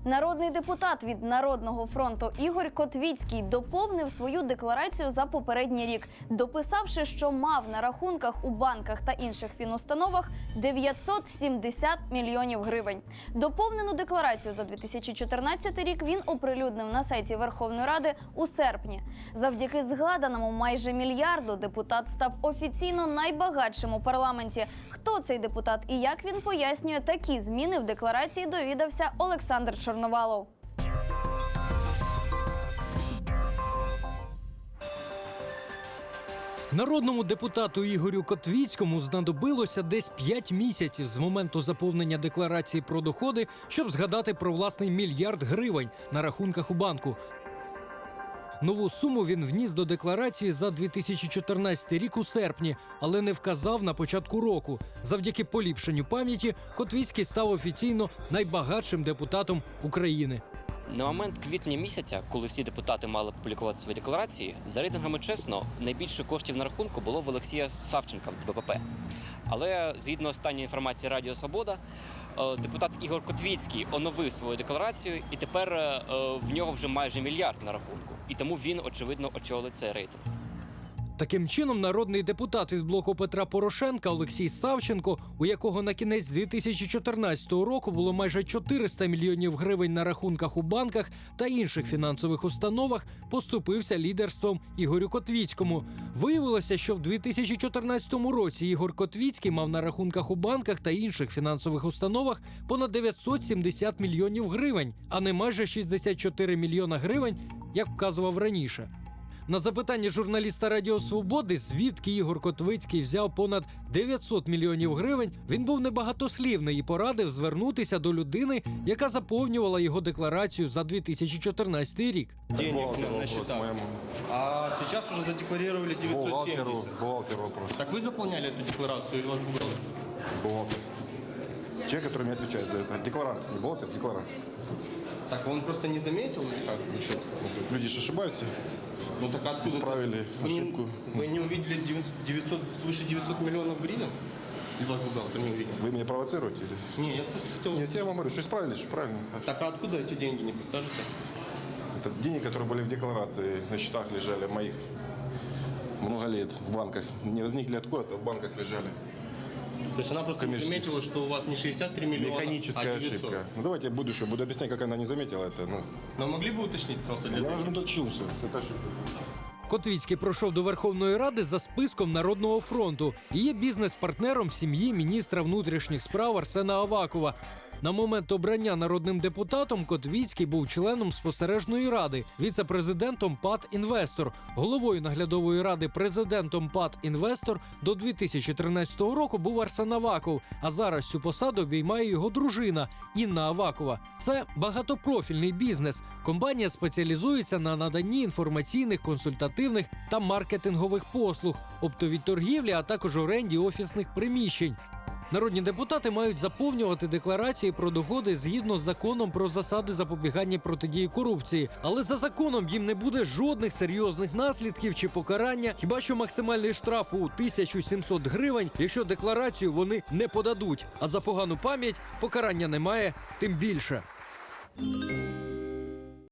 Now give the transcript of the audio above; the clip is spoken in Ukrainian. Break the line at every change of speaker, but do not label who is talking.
Народний депутат від «Народного фронту» Ігор Котвіцький доповнив свою декларацію за попередній рік, дописавши, що мав на рахунках у банках та інших фінустановах 970 мільйонів гривень. Доповнену декларацію за 2014 рік він оприлюднив на сайті Верховної Ради у серпні. Завдяки згаданому майже мільярду депутат став офіційно найбагатшим у парламенті. Хто цей депутат і як він пояснює такі зміни в декларації, довідався Олександр Чорновалов.
Народному депутату Ігорю Котвіцькому знадобилося десь 5 місяців з моменту заповнення декларації про доходи, щоб згадати про власний мільярд гривень на рахунках у банку. Нову суму він вніс до декларації за 2014 рік у серпні, але не вказав на початку року. Завдяки поліпшенню пам'яті Котвіцький став офіційно найбагатшим депутатом України.
На момент квітня місяця, коли всі депутати мали публікувати свої декларації, за рейтингами чесно, найбільше коштів на рахунку було в Олексія Савченка в ДПП. Але, згідно останньої інформації Радіо Свобода, депутат Ігор Котвіцький оновив свою декларацію, і тепер в нього вже майже мільярд на рахунку. І тому він, очевидно, очолить цей рейтинг.
Таким чином, народний депутат від блоку Петра Порошенка Олексій Савченко, у якого на кінець 2014 року було майже 400 мільйонів гривень на рахунках у банках та інших фінансових установах, поступився лідерством Ігорю Котвіцькому. Виявилося, що в 2014 році Ігор Котвіцький мав на рахунках у банках та інших фінансових установах понад 970 мільйонів гривень, а не майже 64 мільйона гривень, як вказував раніше. На запитання журналіста Радіо Свободи, звідки Ігор Котвіцький взяв понад 900 мільйонів гривень, він був небагатослівний і порадив звернутися до людини, яка заповнювала його декларацію за 2014 рік.
Денег на счетах. А сейчас уже задекларировали 970.
Бухгалтеру вопрос.
Так вы заполняли эту декларацию или ваш бухгалтер?
Бухгалтер. Человек, который мне отвечает за это. Декларант. Не бухгалтер, декларант.
Так он просто не заметил или как? Ничего.
Люди же ошибаются.
Ну так откуда?
Исправили ошибку.
Вы не увидели 900, свыше 900 миллионов гривен? Или ваш бухгалтер не увидел?
Вы меня провоцируете? Или?
Не, я просто хотел...
Нет, я вам говорю, что исправили, что правильно.
Так а откуда эти деньги, не подскажете?
Это деньги, которые были в декларации, на счетах лежали моих много лет в банках. Не возникли откуда-то, в банках лежали.
То есть она просто не заметила, что у вас не 63 миллиона,
Механическая
а 900.
ошибка. Ну давайте я в будущем буду объяснять, как она не заметила это. Ну,
Но могли бы уточнить просто для
я
того?
уже дочулся, что это ошибка.
Котвіцький пройшов до Верховної Ради за списком «Народного фронту» і є бізнес-партнером сім'ї міністра внутрішніх справ Арсена Авакова. На момент обрання народним депутатом Котвіцький був членом спостережної ради, віце-президентом ПАТ «Інвестор», головою наглядової ради президентом ПАТ «Інвестор» до 2013 року був Арсен Аваков, а зараз цю посаду обіймає його дружина Інна Авакова. Це багатопрофільний бізнес. Компанія спеціалізується на наданні інформаційних, консультативних та маркетингових послуг, оптовій торгівлі, а також оренді офісних приміщень. Народні депутати мають заповнювати декларації про доходи згідно з законом про засади запобігання і протидії корупції. Але за законом їм не буде жодних серйозних наслідків чи покарання, хіба що максимальний штраф у 1700 гривень, якщо декларацію вони не подадуть. А за погану пам'ять покарання немає, тим більше.